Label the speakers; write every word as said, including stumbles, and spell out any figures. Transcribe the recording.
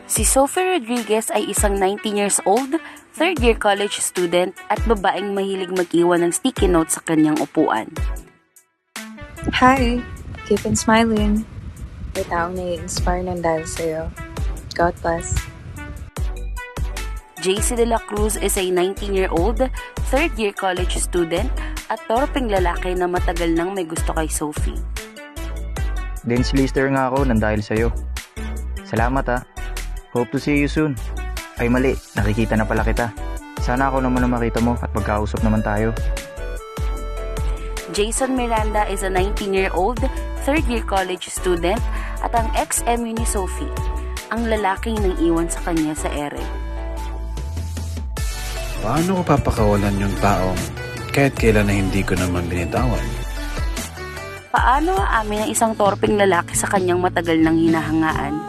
Speaker 1: Si Sophie Rodriguez ay isang nineteen years old, third year college student at babaeng mahilig mag-iwan ng sticky notes sa kanyang upuan.
Speaker 2: Hi! Keep on smiling. May taong nai-inspire ng dahil sa'yo. God bless.
Speaker 1: J C De La Cruz is a nineteen year old, third year college student at torpeng lalaki na matagal nang may gusto kay Sophie.
Speaker 3: Dance lister nga ako nang dahil sa'yo. Salamat ha. Hope to see you soon. Ay mali, nakikita na pala kita. Sana ako naman ang makita mo at magkausap naman tayo.
Speaker 1: Jason Miranda is a nineteen year old, third year college student at ang ex-M U ni Sophie, ang lalaking nang iwan sa kanya sa ere.
Speaker 4: Paano ko papakawalan yung taong kahit kailan na hindi ko naman binitawan?
Speaker 1: Paano aamin ang isang torpeng lalaki sa kanyang matagal nang hinahangaan?